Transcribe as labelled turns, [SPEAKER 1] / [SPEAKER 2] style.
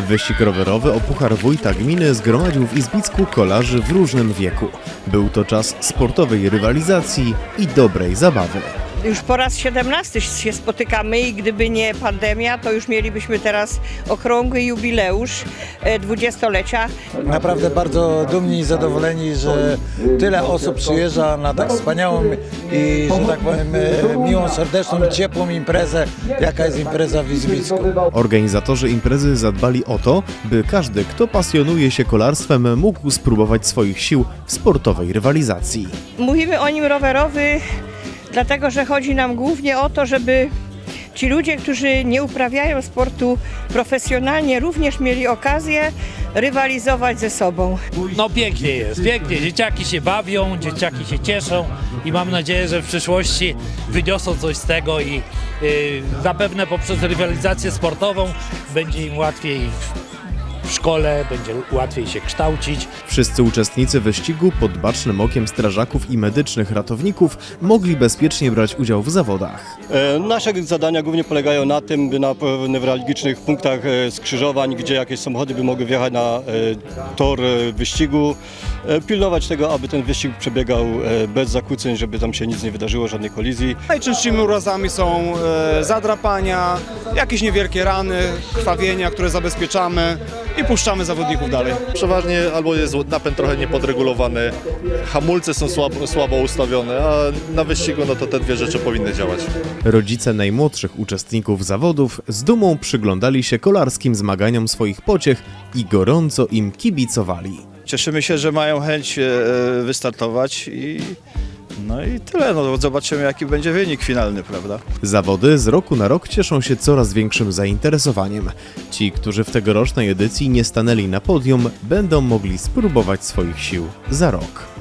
[SPEAKER 1] Wyścig rowerowy o Puchar Wójta Gminy zgromadził w Izbicku kolarzy w różnym wieku. Był to czas sportowej rywalizacji i dobrej zabawy.
[SPEAKER 2] Już po raz 17 się spotykamy i gdyby nie pandemia, to już mielibyśmy teraz okrągły jubileusz 20-lecia.
[SPEAKER 3] Naprawdę bardzo dumni i zadowoleni, że tyle osób przyjeżdża na tak wspaniałą i, że tak powiem, miłą, serdeczną i ciepłą imprezę, jaka jest impreza w Izbicku.
[SPEAKER 1] Organizatorzy imprezy zadbali o to, by każdy, kto pasjonuje się kolarstwem, mógł spróbować swoich sił w sportowej rywalizacji.
[SPEAKER 2] Mówimy o nim rowerowy, dlatego że chodzi nam głównie o to, żeby ci ludzie, którzy nie uprawiają sportu profesjonalnie, również mieli okazję rywalizować ze sobą.
[SPEAKER 4] No pięknie jest, pięknie. Dzieciaki się bawią, dzieciaki się cieszą i mam nadzieję, że w przyszłości wyniosą coś z tego i zapewne poprzez rywalizację sportową będzie im łatwiej w szkole, będzie łatwiej się kształcić.
[SPEAKER 1] Wszyscy uczestnicy wyścigu pod bacznym okiem strażaków i medycznych ratowników mogli bezpiecznie brać udział w zawodach.
[SPEAKER 5] Nasze zadania głównie polegają na tym, by na newralgicznych punktach skrzyżowań, gdzie jakieś samochody by mogły wjechać na tor wyścigu, pilnować tego, aby ten wyścig przebiegał bez zakłóceń, żeby tam się nic nie wydarzyło, żadnej kolizji.
[SPEAKER 6] Najczęstszymi urazami są zadrapania, jakieś niewielkie rany, krwawienia, które zabezpieczamy i puszczamy zawodników dalej.
[SPEAKER 7] Przeważnie albo jest napęd trochę niepodregulowany, hamulce są słabo ustawione, a na wyścigu no to te dwie rzeczy powinny działać.
[SPEAKER 1] Rodzice najmłodszych uczestników zawodów z dumą przyglądali się kolarskim zmaganiom swoich pociech i gorąco im kibicowali.
[SPEAKER 8] Cieszymy się, że mają chęć wystartować i tyle. No, zobaczymy, jaki będzie wynik finalny, prawda?
[SPEAKER 1] Zawody z roku na rok cieszą się coraz większym zainteresowaniem. Ci, którzy w tegorocznej edycji nie stanęli na podium, będą mogli spróbować swoich sił za rok.